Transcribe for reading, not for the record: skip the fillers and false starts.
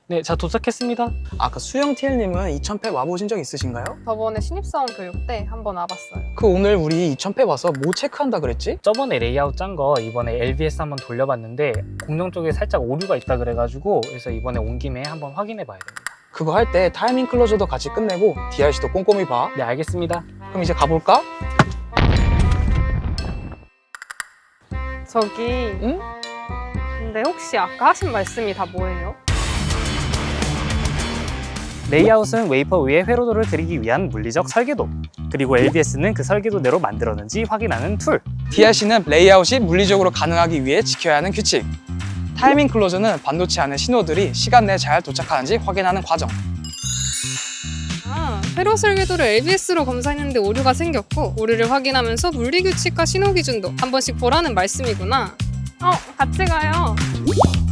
네, 자 도착했습니다. 아까 수영 TL님은 2000팹 와보신 적 있으신가요? 저번에 신입사원 교육 때 한번 와봤어요. 그 오늘 우리 2000팹 와서 뭐 체크한다 그랬지? 저번에 레이아웃 짠 거 이번에 LBS 한번 돌려봤는데 공룡 쪽에 살짝 오류가 있다 그래가지고 그래서 이번에 온 김에 한번 확인해 봐야 됩니다. 그거 할 때 타이밍 클로저도 같이 끝내고 DRC도 꼼꼼히 봐. 네, 알겠습니다. 그럼 이제 가볼까? 저기 응? 근데 혹시 아까 하신 말씀이 다 뭐예요? 레이아웃은 웨이퍼 위에 회로도를 드리기 위한 물리적 설계도, 그리고 LBS는 그 설계도대로 만들었는지 확인하는 툴. DRC는 레이아웃이 물리적으로 가능하기 위해 지켜야 하는 규칙. 타이밍 클로저는 반도체 안의 신호들이 시간 내에 잘 도착하는지 확인하는 과정. 회로 설계도를 LBS로 검사했는데 오류가 생겼고 오류를 확인하면서 물리 규칙과 신호 기준도 한 번씩 보라는 말씀이구나. 같이 가요.